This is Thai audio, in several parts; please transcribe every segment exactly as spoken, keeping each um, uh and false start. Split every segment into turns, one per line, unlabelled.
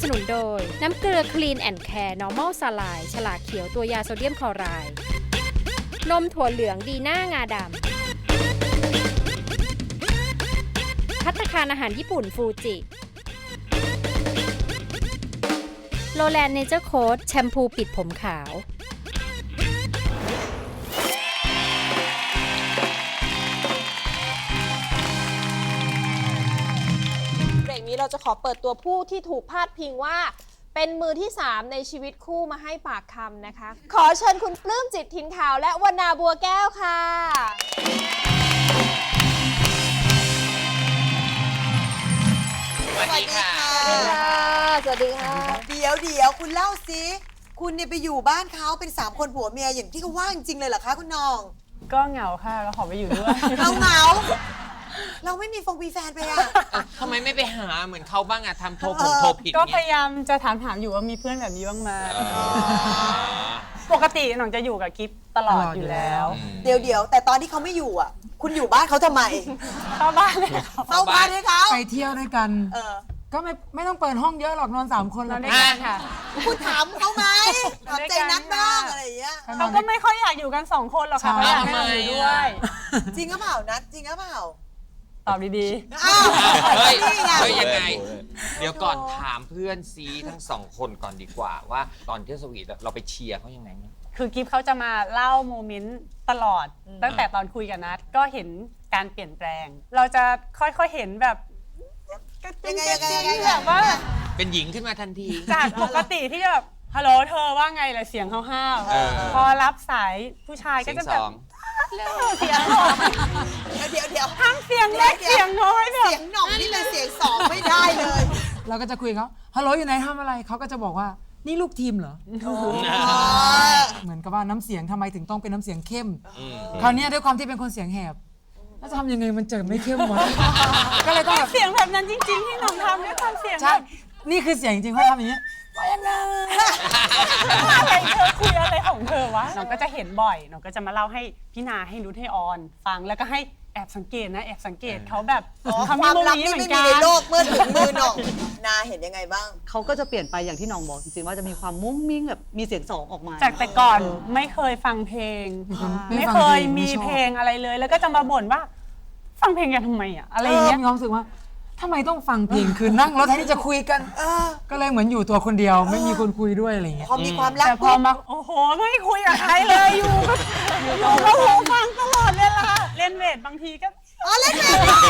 สนุนโดยน้ำเกลือ Clean and Care Normal สลายฉลากเขียวตัวยาโซเดียมคลอไรด์นมถั่วเหลืองดีน่างาดำภัตตาคารอาหารญี่ปุ่นฟูจิโลแลนด์เนเจอร์โค้ดแชมพูปิดผมขาว
เบรกนี้เราจะขอเปิดตัวผู้ที่ถูกพาดพิงว่าเป็นมือที่สามในชีวิตคู่มาให้ปากคำนะคะขอเชิญคุณปลื้มจิตถิ่นขาวและวรรณาบัวแก้วค่ะ
สวัสดีค่ะ
สวัสดีค่ะ
เดี๋ยวเดี๋ยวคุณเล่าสิคุณเนี่ยไปอยู่บ้านเขาเป็นสามคนผัวเมียอย่างที่เขาว่าจริงเลยเหรอคะคุณน้อง
ก็เหงาค่ะก็ขอไปอยู่ด้วย
เราเหงาเราไม่มีฟงมีแฟนไปอ่ะ
ทำไมไม่ไปหาเหมือนเขาบ้างอะทำโทรผมโทรผิด
ก็พ
เนี่ย
ยายามจะถามถามอยู่ว่ามีเพื่อนแบบนี้บ้างไหมปกติหน้องจะอยู่กับกิฟตลอดอยู่แล้ว
เดี๋ยวเดี๋ยวแต่ตอนที่เขาไม่อยู่อ่ะ คุณอยู่บ้านเขาทำไม
เข้าบ้านเลยค่ะ
เข้าบ้านให้เขา
ไปเที่ยวด้วยกัน
เออ
ก็ไม่ไม่ต้องเปิดห้องเยอะหรอกนอนสามคน
น
แล้
อ
วน
ด้วยกันค่ะ
คุณถามเขาไหมถามใจนัดบ้างอะไรอย่างเงี้ย
เขาก็ไม่ค่อยอยากอยู่กันสองคนหรอกค่ะเขาอยากให้เราอยู่ด้วย
จริงหรือเปล่านัดจริงหรือเปล่า
ตอบดี
อ้าว
เฮ้ย
นี่ไง
เฮ้ยยังไง เดี๋ยวก่อนถามเพื่อนซีทั้งสองคนก่อนดีกว่าว่าตอนที่สวีทเราไปเชียร์เขายังไงเนี่ย
ๆคือกิฟเขาจะมาเล่าโมเมนต์ตลอด ตั้งแต่ตอนคุยกับนัดก็เห็นการเปลี่ยนแปลง เราจะค่อยๆเห็นแบบกระตุ้นกระตุ้นแบบว่า
เป็นหญิงขึ้นมาทันที
จากปกติที่จะแบบฮัลโหลเธอว่าไงล่ะเสียงห้าว
เออ
ๆพอรับสายผู้ชายก็
เสียง
จะ
ส
แบบ
อง
เสียงหน่อย
เดี๋ยวเดี๋ยวเดี๋ยว
ทั้งเสียงเล็กเสียงน้อยแบบ
เสียงหน่องนี่เป็นเสียงสองไม่ได้เลย
เราก็จะคุยกับเขาฮัลโหลอยู่ไหนทำอะไรเขาก็จะบอกว่านี่ลูกทีมเหรอ เหมือนกับว่าน้ำเสียงทำไมถึงต้องเป็นน้ำเสียงเข้ม คราวเนี้ยด้วยความที่เป็นคนเสียงแหบแล้วจะทำยังไงมันเจอไม่เข้มหมด ก็เลยต้องแบบ
เสียงแบบนั้นจริงๆที่น้องทำด้วยความเสียง
ใช่
แบบ
นี่คือเสียงจริงเขาทำอย่างนี้ว่ายังไง
อะไรเธอคุยอะไรของเธอวะน้องก็จะเห็นบ่อยน้องก็จะมาเล่าให้พี่นาให้นุชให้ออนฟังแล้วก็ให้แอบสังเกตนะแอบสังเกตเขาแบบ
อ๋อ
เขา
ค
มี
วาม
โม
ลับ
นี้
นี่
เหมื
ไม่
อน
มี
กัน
ในโลกเมื่อถึงมือหน่องนาเห็นยังไงบ้าง
เขาก็จะเปลี่ยนไปอย่างที่น้องบอกจริงๆว่าจะมีความมุ้งมิ้งแบบมีเสียงสองออกมา
จากแต่ก่อนไม่เคยฟังเพลง ไม่เคยมีเพลงอะไรเลย แล้วก็จะมาบ่นว่า ฟังเพลงกันทำไมอะอะไรอย่างเงี้ย
มีความรู้สึกว่าทำไมต้องฟังเพลงคือนั่งรถแทนที่จะคุยกัน
เออ
ก็เลยเหมือนอยู่ตัวคนเดียวไม่มีคนคุยด้วยอะไรอย่างเงี้ย
พอมีความรัก
แต่พอมาโอ้โหไม่คุยกับใครเลยอยู่ก็อยู่กับหูฟังตลอดเวลาเล่นเวทบางทีก็
อ๋อเล่นเอง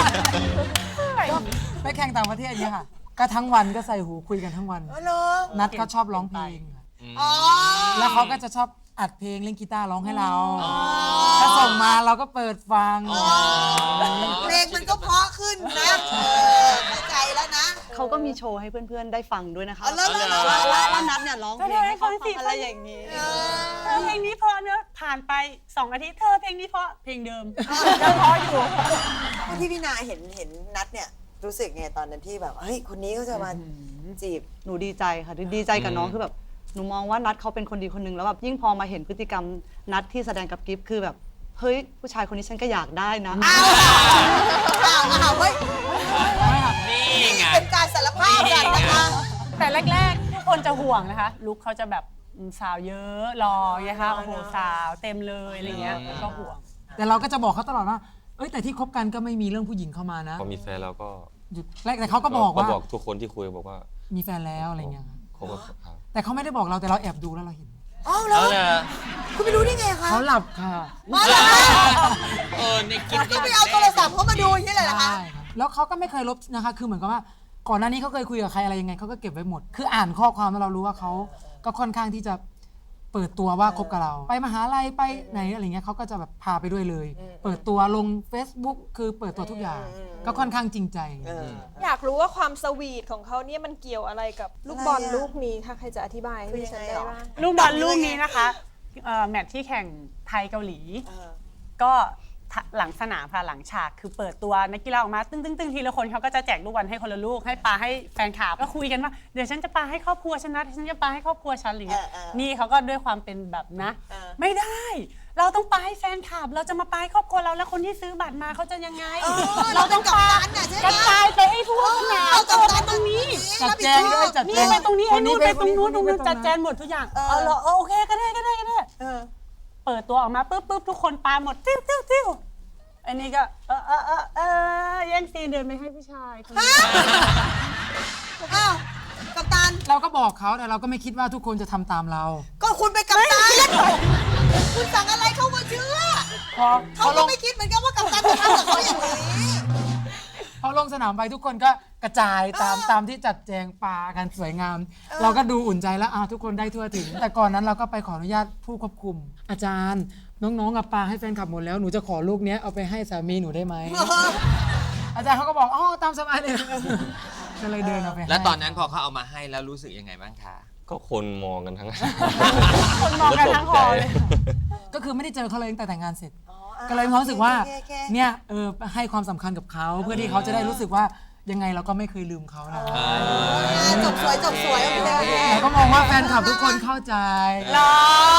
ไปแข่งต่างประเทศอย่างเงี้ยค่ะก็ทั้งวันก็ใส่หูคุยกันทั้งวัน
อ๋อเหรอ
นัดก็ชอบร้องเพลง
อ๋อ
แล้วเขาก็จะชอบอัดเพลงเล่นกีตาร์ร้องให้เราก็ส่งมาเราก็เปิดฟัง
เพลงมันก็เพราะขึ้นนะเออเข้าใจแล้วนะ
เขาก็มีโชว์ให้เพื่อนๆได้ฟังด้วยนะคะ
อ๋อเหรอเหรอเหรอ
ว่าว่าว่านัดเนี่ยร้องเพลงให้เขาฟังอะไรอย่างนี้
เอ
เธ
อ
อเพลงนี้เพอเนอะผ่านไปสองอาทิตย์เธอเพลงนี้เพราะเพลงเดิมยังเพราะอยู่
ที่พี่นาเห็นเห็นนัดเนี่ยรู้สึกไงตอนนั้นที่แบบเฮ้ยคนนี้เขาจะมาจีบ
หนูดีใจค่ะดีใจกับน้องคือแบบหนูมองว่านัดเขาเป็นคนดีคนหนึงแล้วแบบยิ่งพอมาเห็นพฤติกรรมนัดที่แสดงกับกิฟต์คือแบบเฮ้ยผู้ชายคนนี้ฉันก็อยากได้นะ
อ้าวอ้าวอ้าวเฮ้ย
นี่ไง
เป็นการสารภาพกันนะคะ
แต่แรกๆทุกคนจะห่วงนะคะลุคเขาจะแบบอืมสาวเยอะรอไงคะโอ้โหสาวเต็มเลยอะไรเงี้ยก็ห่วง
แต่เราก็จะบอกเขาตลอดว่าเอ้ยแต่ที่คบกันก็ไม่มีเรื่องผู้หญิงเข้ามานะ
พอมีแฟนแล้วก็
หยุดแรกแต่เขาก็บอกว่า
บอกทุกคนที่คุยบอกว่า
มีแฟนแล้วอะไรเงี้ยครับ
คบกับเขา
แต่เขาไม่ได้บอกเราแต่เราแอบดูแล้วเราเห็น
อ๋อเหรอ
เอาเลย
คุณไม่รู้ได้ไงคะ
เขาหลับค่ะ
อ๋อเหรอ
เออในคลิป
ก็ไปเอาโทรศัพท์เขามาดูอย่างนี้เลยเหรอคะ
ใช่ครับแล้วเขาก็ไม่เคยลบนะคะ คือเหมือนกับว่าก่อนหน้านี้เขาเคยคุยกับใครอะไรยังไงเขาก็เก็บไว้หมด คืออ่านข้อความแล้วเรารู้ว่าเขาก็ค่อนข้างที่จะเปิดตัวว่าคบกับเรา ไปมหาลัยไปไหนอะไรเงี้ยเขาก็จะแบบพาไปด้วยเลย เปิดตัวลง Facebook คือเปิดตัวทุกอย่าง ก็ค่อนข้างจริงใจ
เออ
อยากรู้ว่าความสวีทของเขาเนี่ยมันเกี่ยวอะไรกับลูกบอล
อะไรอะ
ลูกนี้ถ้าใครจะอธิบายให้ดิฉันได้บ้าง
ลูกบอลลูกนี้นะคะเอ่อแมตช์ที่แข่งไทยเกาหลี
เออ
ก็หลังสนามค่ะหลังฉากคือเปิดตัวนักกีฬาออกมาตึ้งตึ้งตึ้งทีละคนเขาก็จะแจกลูกบอลให้คนละลูกให้ปาให้แฟนคลับก็คุยกันว่าเดี๋ยวฉันจะปาให้ครอบครัวฉันนะฉันจะปาให้ครอบครัวฉันอะไรเงี้ย
เออเออ
นี่เขาก็ด้วยความเป็นแบบนะ
เออ
ไม่ได้ เราต้องปาให้แฟนคลับเราจะมาปาให้ครอบครัวเราแล้วคนที่ซื้อบัตรมาเขาจะยังไง
เออ
เราต้องปา
เราเป็นกัปตันน่ะใช่ไหม
กระจายไปให้ทั่วสนาม
เรากัปตัน
ตรงนี้
จัดแจงด้วยจัด
นี่
แจง
ไปตรงนี้
ค
ไอ้
น
นู่นไปตรงนู้นตรงนู้น
ไป
จัดแจงหมดทุกอย่าง
เออ
เอาเหรอเออโอเคก็ได้ก็ได้ก็ได้
เออ
เปิดตัวออกมาปุ๊บปุ๊บทุกคนปาหมดติ้วติ้วติ้วอันนี้ก็เออเออเออเออแย่งซีนเดินไปให้ผู้ชายคนนี้
อ้าวกัปตัน
เราก็บอกเขาแต่เราก็ไม่คิดว่าทุกคนจะทำตามเรา
ก็คุณเป็นกัปตันคุณสั่งอะไรเขามาเชื่อ
พอพ
เขา
อล
ก็
ง
ไม่คิดเหมือนกันว่ากัปตันจะทำกับเขาอย่างนี้
พอลงสนามไปทุกคนก็กระจายตามตามที่จัดแจงปากันสวยงาม เราก็ดูอุ่นใจแล้วอ่ะทุกคนได้ทั่วถึง แต่ก่อนนั้นเราก็ไปขออนุญาตผู้ควบคุม อาจารย์ น้องๆกับปาให้แฟนคลับหมดแล้วหนูจะขอลูกเนี้ยเอาไปให้สามีหนูได้ไหม อาจารย์เขาก็บอกอ๋อตามสบายเลย ก็เลยเดินเอาไปให้
แล้วตอนนั้นพอเขาเอามาให้แล้วรู้สึกยังไงบ้างคะ
ก็คนมองกันทั้ง
คนมองกันทั้งหอเลย
ก็คือไม่ได้เจอเขาเลยตั้งแต่แต่งงานเสร็จ
อ๋ออ่ะ
ก็เลยมีความรู้สึกว่า
โอเคโอเค
เนี่ยเออให้ความสำคัญกับเขาเพื่อที่เขาจะได้รู้สึกว่ายังไงเราก็ไม่เคยลืมเขานะ
อ่าจบสวยจบสวยโอเคโอเค
แต่ก็มองว่าแฟนคลับทุกคนเข้าใจ
หรอ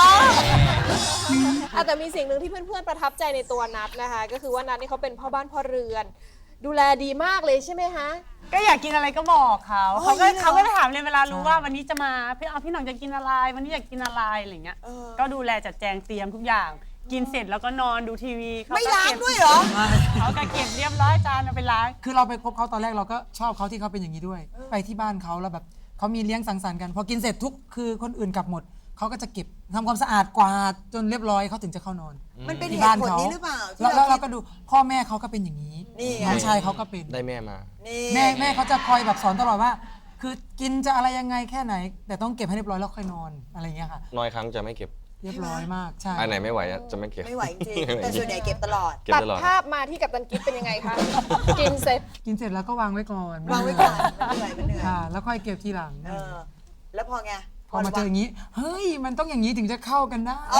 อ่ะแต่มีสิ่งหนึ่งที่เพื่อนๆประทับใจในตัวนัทนะคะ ก็คือว่านัทนี่เขาเป็นพ่อบ้านพ่อเรือน ดูแลดีมากเลยใช่ไหมคะ
ก็อยากกินอะไรก็บอกเขา
โอ้ย
เขาก็
เหรอ
เขาก็จะถามเลยเวลารู้ว่าวันนี้จะมาพี่เอาพี่หน่องจะกินอะไร วันนี้อยากกินอะไรอะไรเงี้ย
เออ
ก็ดูแลจัดแจงเตรียมทุกอย่าง กินเสร็จแล้วก็นอนดูทีวีเข
ไม่
ก็
ล้าง
เก็บ
ด้วยเหรอ
เขาก็เก็บเรียบร้อยจานเอาไปล้าง
คือเราไปพบเขาตอนแรกเราก็ชอบเขาที่เขาเป็นอย่างนี้ด้วย ไปที่บ้านเขาแล้วแบบเขามีเลี้ยงสังสรรค์กัน พอกินเสร็จทุกคือคนอื่นกลับหมดเขาก็จะเก็บทำความสะอาดกวาดจนเรียบร้อยเขาถึงจะเข้านอน
มันเป็นเห
ที่
ตุ
บ้าน
ผล
เขา
นี้หรือเปล่าที่
แล้วแล้วเรา
คิด
ก็ดูพ่อแม่เขาก็เป็นอย่างนี้
นี่ไง
น้องชายเขาก็เป็น
ได้แม่มา
นี่
แม่แม่เขาจะคอยแบบสอนตลอดว่า คือกินจะอะไรยังไงแค่ไหน แต่ต้องเก็บให้เรียบร้อยแล้วค่อยนอนอะไรอย่างเงี้ยค่ะ
น้อยครั้งจะไม่เก็บ
เรียบร้อยมากใช่
อันไหนไม่ไหวอะจะไม่เก็บ
ไม่ไหวจริงๆแต่ส่วนใหญ่เก็บตลอด
เก็บ
ตัด
ตลอด
ภาพมาที่กัปตันกิฟเป็นยังไงคะ กินเสร็จ
กินเสร็จแล้วก็วางไว้ก่อน
วางไว้ก่อนมันเหนื่อยมันเหนื่อย
ค่ะ แล้วค่อยเก็บทีหลัง
เออ แล้วพอไง
พอมาเจออย่างนี้ เฮ้ย มันต้องอย่างนี้ถึงจะเข้ากันได้
อ๋อ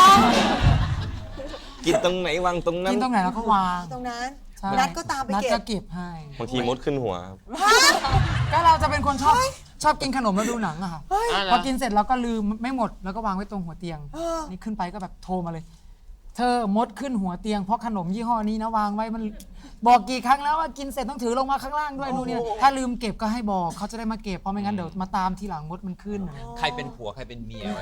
กินตรงไหนวางตรงนั้น
กินตรงไหนเราก็วาง
ตรงนั้น
ใช่
นัดก็ตามไป
นัด
เก็
ก็
บ
เก็บให้
บางทีมดขึ้นหัวครับ
ก็เราจะเป็นคนชอบชอบกินขนมแล้วดูหนังอะค่ะ
อ่าเหร
พอกินเสร็จเราก็ลืมไม่หมดแล้วก็วางไว้ตรงหัวเตียง
เออ
นี่ขึ้นไปก็แบบโทรมาเลย เธอมดขึ้นหัวเตียงเพราะขนมยี่ห้อนี้นะวางไว้มันบอกกี่ครั้งแล้วว่ากินเสร็จต้องถือลงมาข้างล่างด้วยนู่นนี่ถ้าลืมเก็บก็ให้บอกเขาจะได้มาเก็บเพราะไม่งั้นเดี๋ยวมาตามทีหลังมดมันขึ้น
ใครเป็นผัวใครเป็นเมียวะ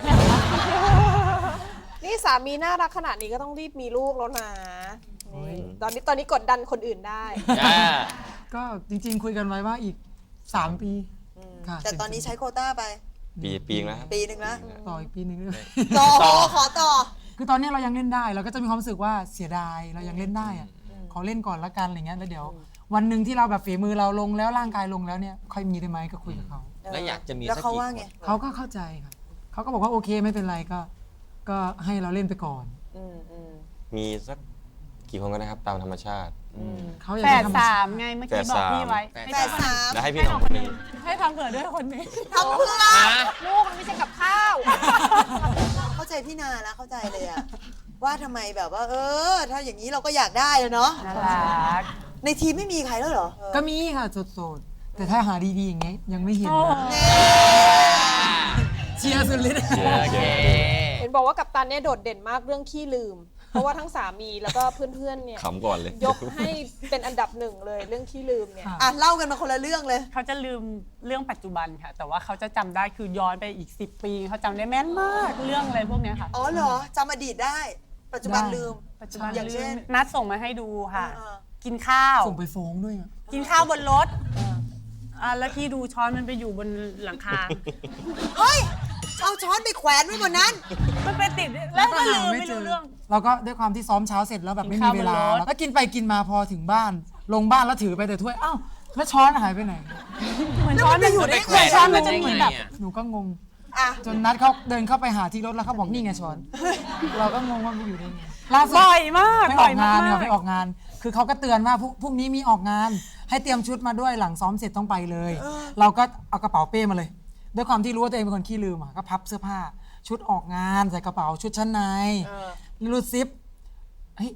นี่สามีน่ารักขนาดนี้ก็ต้องรีบมีลูกแล้วนะนี่ตอนนี้ตอนนี้กดดันคนอื่นได้
อ่า
ก็จริง ๆ คุยกันไว้ว่าอีกสามปีค่ะ
แต่ตอนนี้ใช้โควต้าไป
ปีปีนึงแล้วครับ
ปีหนึ่งแล้ว
ต่ออีกปีหนึงด้วย
ต่อขอต่อ
คือตอนนี้เรายังเล่นได้เราก็จะมีความรู้สึกว่าเสียดายเรายังเล่นได้อะขอเล่นก่อนละกันอะไรเงี้ยแล้วเดี๋ยว วันหนึ่งที่เราแบบฝีมือเราลงแล้วร่างกายลงแล้วเนี่ยค่อยมีได้ไหมก็คุยกับเขา
แล้วอยากจะมี
แล้ว
สัก
เขา
กี่
ว่า
ค
ไง
น
เขาก็เข้าใจค่ะเขาก็บอกว่าโอเคไม่เป็นไรก็ ก็ให้เราเล่นไปก่อน
อืมอืม
มีสักกี่คนก็ได้ครับตามธรรมชาติ
เขาอยาก
แฝ
จะ
ด
ทำ
สามไงเมื่อกี้บอกพี่ไว้
แฝด
แปดสาม
แล้วให้พี่
ให้
หน้
น้
อ
อง ง
ค
คน น
ห
ห
นึ่
นึ
ง
งให้ทำเผื่อด้วยคนนี้
ทำเพื่อ
อ่ะ
ลูกมันไม่ใช่กับข้าว
เข้าใจพี่นาแล้วเข้าใจเลยอะว่าทำไมแบบว่า เออ ถ้าอย่างนี้เราก็อยากได้อะเนาะ
น่ารัก
ในทีมไม่มีใครแล้วเหรอ
ก็มีค่ะโสดๆแต่ถ้าหาดีๆอย่างเงี้ยยังไม่เห็นนะ
เน่
เชียร์สุดฤทธิ์
โอเค
เห็นบอกว่ากัปตันเนี่ยโดดเด่นมากเรื่องขี้ลืม เพราะว่าทั้งสามีแล้วก็เพื่อนๆเนี่ย
ขำก่อนเลย
ยกให้เป็นอันดับหนึ่งเลยเรื่องขี้ลืมเนี่ย
อ่ะเล่ากันมาคนละเรื่องเลย
เขาจะลืมเรื่องปัจจุบันค่ะ แต่ว่าเขาจะจำได้คือย้อนไปอีกสิบปีเขาจำได้แม่นมากเรื่องอะไรพวกเนี้ยค่ะ
อ๋อเหรอจำอดีตได้ ปัจจุบันลืม
ปัจจุบัน
อย่างเช่น
ลืมนัดส่งมาให้ดูค่ะ
เออ
กินข้าว
ส่งไปฟ้องด้วยอะ
กินข้าวบนรถอ่าแล้วที่ดูช้อนมันไปอยู่บนหลังคา
เฮ้ย เอาช้อนไปแขวนไว้บนนั้น
มันไปติดแล้วก็ลืมไม่รู้เรื่อง
เราก็ด้วยความที่ซ้อมเช้าเสร็จแล้วแบบไม่มีเวลา
กินข้าวบนรถ
แล้วกินไปกินมาพอถึงบ้าน ลงบ้านแล้วถือไปแต่ถ้วยอ้าวแล้วช้อนหายไปไหน
เหมือนช้อนมันอยู่ใน
แขวน
ช้อนมันจะเหมือนแบบ
หนูก็งง
อ่ะ
จนนัดเขาเดินเข้าไปหาที่รถแล้วเขาบอกนี่ไงช้อน เราก็งงว่ามันอยู่ได้ไงล่าสุด
บ่อยมาก
ไปอ
บ่
อ
อย
ก
มาง
านเนี่ย
ก
ไปออกงาน คือเขาก็เตือนว่าพรุ่งพรุ่งนี้มีออกงาน ให้เตรียมชุดมาด้วยหลังซ้อมเสร็จต้องไปเลย เราก็เอากระเป๋าเป้มาเลย ด้วยความที่รู้ว่าตัวเองเป็นคนขี้ลืมอ่ะก็พับเสื้อผ้า ชุดออกงานใส่กระเป๋าชุดชั้นในรูดซิปเฮ้ย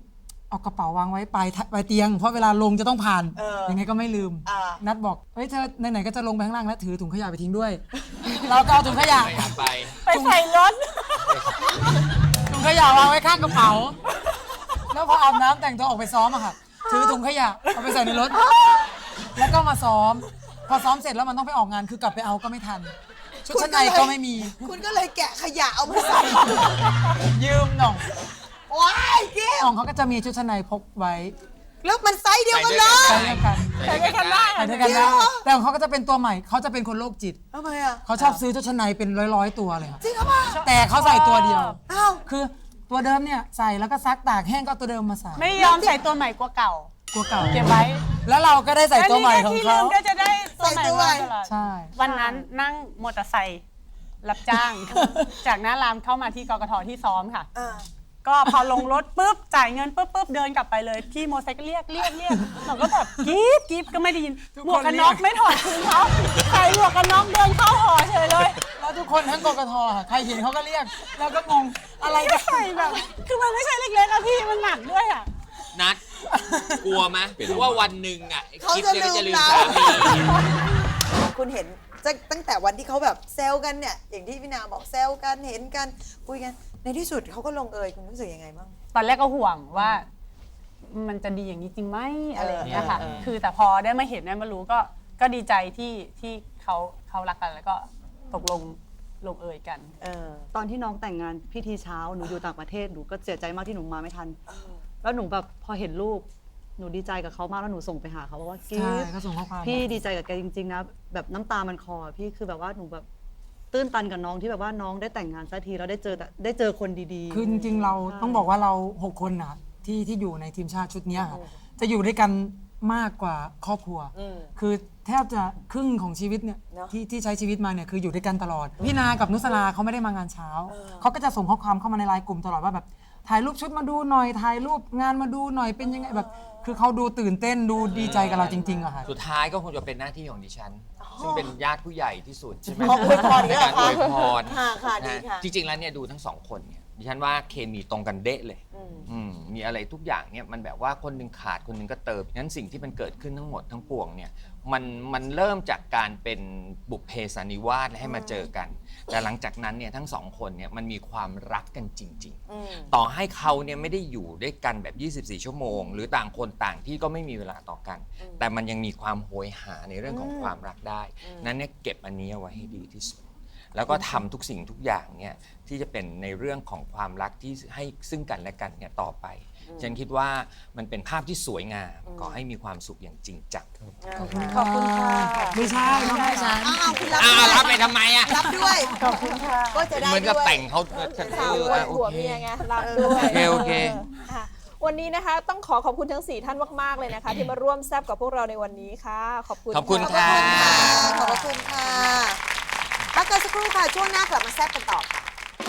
เอากระเป๋าวางไว้ปลายทะปลายเตียง เพราะเวลาลงจะต้องผ่าน
เออ
ยังไงก็ไม่ลืม
อ่า
นัดบอกเฮ้ยเธอไหนๆก็จะลงไปข้างล่างแล้วถือถุงขยะไปทิ้งด้วย เราก็เอาถุงขยะ
ไม่อยากไป
ไปใส่รถ
ถุงขยะวางไว้ข้างกระเป๋า แล้วพออาบน้ำแต่งตัวออกไปซ้อมอะค่ะ ถือถุงขยะเอาไปใส่ในรถ แล้วก็มาซ้อม พอซ้อมเสร็จแล้วมันต้องไปออกงานคือกลับไปเอาก็ไม่ทัน ชุดชั้นในก็ไม่มี
คุณก็เลยแกะขยะเอามาใส่
ยืมหน่อง
ว้ายเกี้ย
หน่องเขาก็จะมีชุดชั้นในพกไว้
แล้วมันไซส์เดียวกันเลย
ใส่ด้วยกัน
ใส่ด้วยกันได้
ใส่ด้วยกันได้แต่ของเขาก็จะเป็นตัวใหม่เขาจะเป็นคนโรคจิต
ทำไมอ่ะ
เขาชอบซื้อชุดชั้นในเป็นร้อยๆตัวเลยค่ะ
จริงเหรอ
แต่เขาใส่ตัวเดียว
อ้าว
คือตัวเดิมเนี่ยใส่แล้วก็ซักตากแห้งก็ตัวเดิมมาใส่
ไม่ยอมใส่ตัวใหม่กว่าเก่า
ตัวเก่า
เก็บไว้
แล้วเราก็ได้ใส่ตัวใหม่ของ
ที่
เขา
ลืมก็จะได้ตัวใหม่มาตลอด
ใช่
วันนั้นนั่งมอเตอร์ไซค์รับจ้าง จากหน้ารามเข้ามาที่กกทที่ซ้อมค่ะ
อ่า
ก็พอลงรถปุ๊บจ่ายเงินปุ๊บปุ๊บเดินกลับไปเลยพี่มอเตอร์ไซค์ก็เรียกเรียกเรียกเราก็แบบกรี๊ดกรี๊ดก็ไม่ได้ยินหมวกกันน็อกไม่ถอดคืนเขาใส่หมวกกันน็อกเดินเข้าหอเฉยเลย
แล้วทุกคนทั้งกกทค่ะใครเห็นเขาก็เรียก แล้วก็งงอะไร
ก็
กัน
ใส่แบบ คือมันไม่ใช่เล็กๆอะพี่มันหนักด้วยอะ
นัดกลัวไหมว่าวันหนึ่งอ่ะ
เขา
กิ๊บ
จะ
เนี่ยก็จะ
ลื
ลื
ม
ม
เรา
สามี
คุณเห็นจะตั้งแต่วันที่เขาแบบแซวกันเนี่ย อย่างที่พี่นาบอกแซวกันเห็นกันคุยกัน ในที่สุดเขาก็ลงเอยคุณรู้สึกยังไงบ้าง
ตอนแรกก็ห่วงว่ามันจะดีอย่างนี้จริงไหมอะไรอย่างเงี้ยค่ะ
เออเออ
คือแต่พอได้มาเห็นได้มารู้ก็ก็ดีใจที่ที่เขาเขารักกันแล้วก็ตกลงลงเอยกัน
เออ
ตอนที่น้องแต่งงานพิธีเช้าหนูอยู่ต่างประเทศหนูก็เสียใจมากที่หนูมาไม่ทัน แล้วหนูแบบพอเห็นรูปหนูดีใจกับเขามากแล้วหนูส่งไปหาเขาว่ากิ๊
ใช่
ฟ
ก็ส่งข้อความ
พี่ดีใจกับแกจริงๆนะแบบน้ำตามันคลอพี่คือแบบว่าหนูแบบตื้นตันกับน้องที่แบบว่าน้องได้แต่งงานสักทีแล้วได้เจอแต่ได้เจอคนดีๆ
คือจริงๆเราต้องบอกว่าเราหกคนนะที่ที่อยู่ในทีมชาติชุดเนี้ยค่ะจะอยู่ด้วยกันมากกว่าครอบครัว
อืม
คือแทบจะครึ่งของชีวิตเนี่ย
เนอะ
ที่ที่ใช้ชีวิตมาเนี่ยคืออยู่ด้วยกันตลอด พี่นากับนุสราเขาไม่ได้มางานเช้า เขาก็จะส่งข้อความเข้ามาในไลน์กลุ่มตลอดว่าแบบถ่ายรูปชุดมาดูหน่อยถ่ายรูปงานมาดูหน่อยเป็นยังไงแบบ คือเขาดูตื่นเต้นดูดีใจกับเราจริงๆอะค่ะ
สุดท้ายก็คงจะเป็นหน้าที่ของดิฉัน ซึ่งเป็นญาติผู้ใหญ่ที่สุดใช่ไหม
ขออวยพรอี
ใน
กแล้ว
การ
เหรอคะ
อวยพร
ค่ะค่ะดี
นะ
ค่ะ
จริงๆแล้วเนี่ยดูทั้งสองคนเนี่ยดิฉันว่าเคมีตรงกันเดะเลย
อืม
อืมมีอะไรทุกอย่างเนี่ยมันแบบว่าคนหนึงขาดคนหนึงก็เติมงั้นสิ่งที่มันเกิดขึ้นทั้งหมดทั้งปวงเนี่ยมันมันเริ่มจากการเป็นบุพเพสันนิวาสและให้มาเจอกัน แต่หลังจากนั้นเนี่ยทั้งสองคนเนี่ยมันมีความรักกันจริง ๆ
อืม
ต่อให้เขาเนี่ยไม่ได้อยู่ด้วยกันแบบ ยี่สิบสี่ ชั่วโมง หรือต่างคนต่างที่ก็ไม่มีเวลาต่อกัน แต่มันยังมีความโหยหาในเรื่องของความรักได้ นั้นเนี่ยเก็บอันนี้เอาไว้ให้ดีที่สุด แล้วก็ทำทุกสิ่งทุกอย่างเนี่ยที่จะเป็นในเรื่องของความรักที่ให้ซึ่งกันและกันเนี่ยต่อไป ฉันคิดว่ามันเป็นภาพที่สวยงามขอให้มีความสุขอย่างจริงจัง
ขอบคุณค่ะ
ไม่ใช่ไม่ใช่ฉัน
อ้าวคุณรับ
อ้าว
ด้วย
รับไปทำไมอ่ะ
รับด้วย ขอบคุณค่ะ ก็จะได้
เหมือนกับ
ด้วย
แต่งเขา
ข่าว
เออ
ด้วย
โอ
หัว
เค
เมียไงรับด้วย
โอเคโอเค
ค่ะวันนี้นะคะต้องขอขอบคุณทั้งสี่ท่านมากๆเลยนะคะ ที่มาร่วมแซบกับพวกเราในวันนี้ค่ะ ขอบคุณ
ขอบคุณ
ะ
ค่ะ
ขอบคุณค่ะพักกันสักครู่ค่ะ ช่วงหน้ากลับมาแซ่บกันต่อค่ะ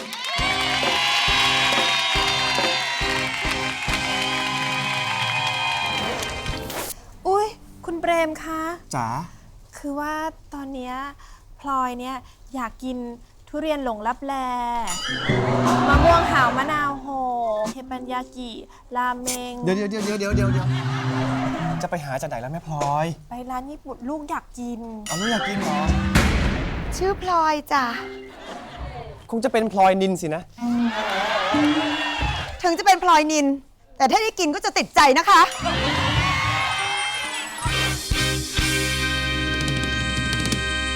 อุ้ยคุณเปรมคะ
จ๋า
คือว่าตอนเนี้ยพลอยเนี่ยอยากกินทุเรียนหลงลับแลมะม่วงหาวมะนาวโหเทปัญญากิราเมง
เดี๋ยวเดี๋ยวเดี๋ยวเดี๋ยวเดี๋ยวเดี๋ยวจะไปหาจากไหนแล้วแม่พลอย
ไปร้านญี่ปุ่นลูกอยากกิน
เอาลูกอยากกินเหรอ
ชื่อพลอยจ้ะ
คงจะเป็นพลอยนินสินะ
ถึงจะเป็นพลอยนิน แต่ถ้าได้กินก็จะติดใจนะคะ
อ